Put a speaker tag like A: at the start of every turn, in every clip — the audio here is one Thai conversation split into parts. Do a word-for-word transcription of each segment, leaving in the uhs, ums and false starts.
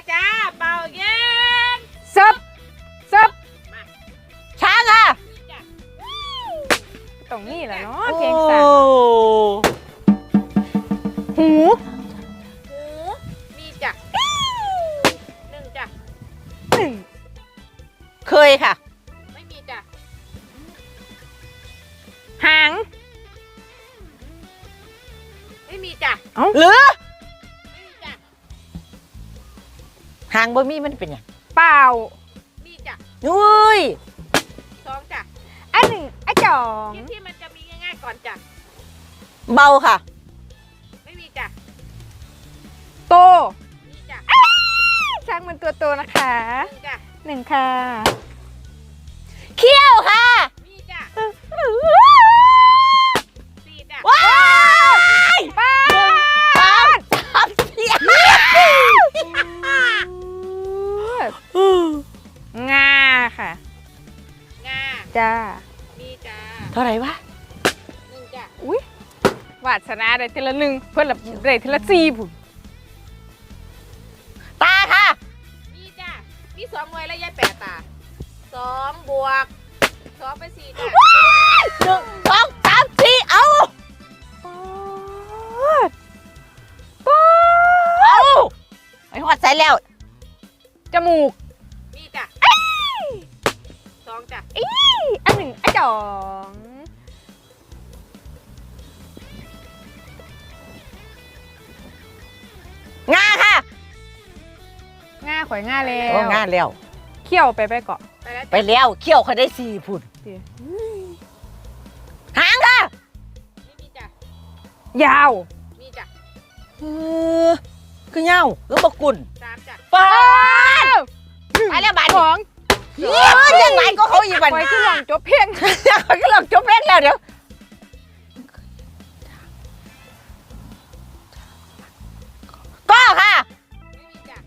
A: จ้าเป่าเย็น
B: ซับซับช้างค่ะตรงนี้แหละเนาะเพียงสามหู
A: หูมีจ้ะหนึ่งจ้ะ
B: หนึ่ง
C: เคยค่ะ
A: ไม่มีจ้ะ
B: หาง
A: ไม่มีจ้ะ
B: เอ้า
C: หรือ
A: ไม่มีจ้ะ
C: หางบ่มีมันเป็นยัง
B: เปล่า
A: มีจ้ะ
C: อุ้ย
A: สองจ้ะ
B: อันหนึ่งอันสอง
A: ที่ที่มันจะมีง่ายๆก่อนจ้ะ
C: เบาค่ะ
A: ไม่มีจ้ะ
B: โต
A: มีจ้ะ
B: ช้างมันตัวโตนะคะ
A: หนึ่งจ้ะ
B: หนึ่งค่ะ
C: เขี้ยวค่ะ
A: มีจ้ะสี่จ้ะ
C: ว้าย
B: ป้า
C: สามสามสี่
B: งาค่ะ
A: งา
B: จ้า
A: มีจ้ะ
C: เท่าไหร่วะ
A: หนึ่งจ้ะ
B: อุ้ยวาสนาได้ทีละหนึ่งเพื่อนละได้ทีละสี่ผุน
C: ตาค่ะ
A: มีจ้ะมีสองหน่วยแล้วยายแปดตาสองบวกสองเป็นสี่จ้ะ
C: หนึ่งสองสามสี่เอาเอาไอ้หอดใส่แล้ว
B: จมูก
A: มีจ้ะสองจ้ะ
B: อันหนึ่งอันสอง
C: งาค่ะ
B: ง่าข่อยง่าแล้
C: โอ้
B: ว
C: งาแล้ว
B: เขี้ยวไปไปเกาะ
A: ไปแล้ว
C: ไปแล้วเขี้ยวเขาได้สี่พุ่นหางค่ะ
A: ไม่มีจ้ะ
B: ยาว
A: มีจ้ะ
C: เออคือเงาคือปกุล
A: สามจ้ะ
C: ปานไปแล้วบาด
B: ของ
C: เฮ้ยยังไงก็เขาอีบัน
B: ข่อยคือหลองจบเพียง
C: เขาก็ลองจบเล่นแล้วเดี๋ยวก็ค่ะ
A: ไม่มีจ้ะ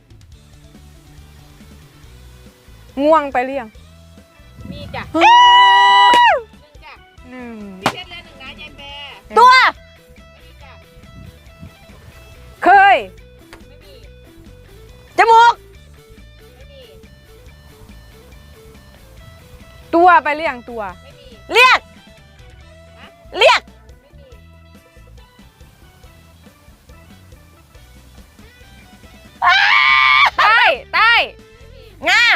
B: ง่วงไปเรียง
A: มีจ้ะหนึ่งจ้ะ
B: หนึ่ง
A: พี่เพชรเลยหนึ่งนะยายแปร
C: ตัว
A: ไม่มีจ้ะ
B: เคย
A: ไม่มี
C: จมูก
A: ไม่มี
B: ตัวไปเรียงตัว
A: ไม่มี
C: เรียกเรียก
A: ไม่มี
B: ใต้ใต้
C: งา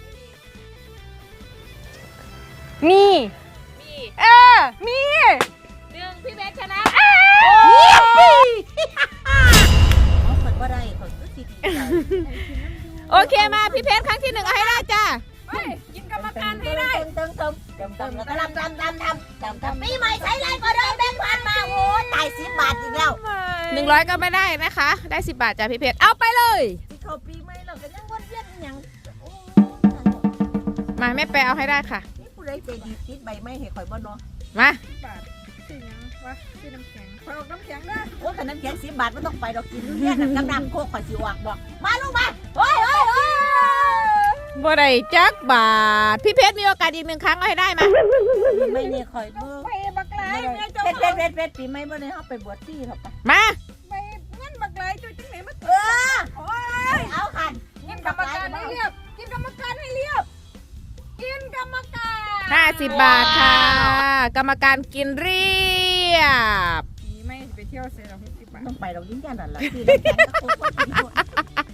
B: มี
A: มี
B: เออ มี
A: หนึ่งพี่เพชรชนะ
C: เขาเปิดว่าได้เขาก็สิดีใจ
A: โอเคมาพี่เพชรครั้งที่หนึ่งเอาให้ได้จ้ะกินกรรมการให้ได้
C: เติมเติมเติมเติมแล้วก็ทำทำทำทำทำทำปีใหม่ใช้ไรก็เดิมแบงค์พันมาโอ้ตายสิบบาทอีกแล้ว
A: หนึ่งร้อยก็ไม่ได้นะคะ ได้สิบบาทจ้ะพี่เพชรเอาไปเลย
C: ที่เขาปีใหม่เราก็ยังวนเวียนอย่าง
A: มาแม่แปรเอาให้ได้ค่ะ
C: นี่ผู้ใดใจดีติดใบไม้ให้ข่อยบ่เนาะ
A: มา
B: บาทซื้อยังวะซื้อน้ำแข็งคอยออกน้ำแข็งนะ
C: โอ้แต่น้ำแข็งสิบบาทมันต้องไปดอกกินเนี่ยน้ำน้ำโคกข่อยสิออกบอกมาลูกมาโอ้ยโอ้ยโอ้ย
A: บ่ได้จักบาทพี่เพชรมีโอกาสอีกหนึ่งครั้งเอาให้ได้มา
C: ปีใหม่นี่ข่อยเบิ่ง
B: ไปบักไลแม่
C: เพชรเพชรเพชรเพชรปีใหม่บ่ได้เฮาไปบวชที่หรอกปะ
A: มา
B: ไปงั้นบักไลจุดจังไหนมา
C: เออ
B: โอ้ย
C: เอาหัน
B: กินกรรมการให้เรียบกินกรรมการให้เรียบกินกรรมการ
A: ห้าสิบบาทค่ะ กรรมการกินเรียบ
B: นี่ไม่ไปเที่ยวเสียหรอกหกสิบบาท
C: ต้องไปดอกยิ่งยันนั่นล่ะที่น้ำแข็งก็โคกก็กินด้วย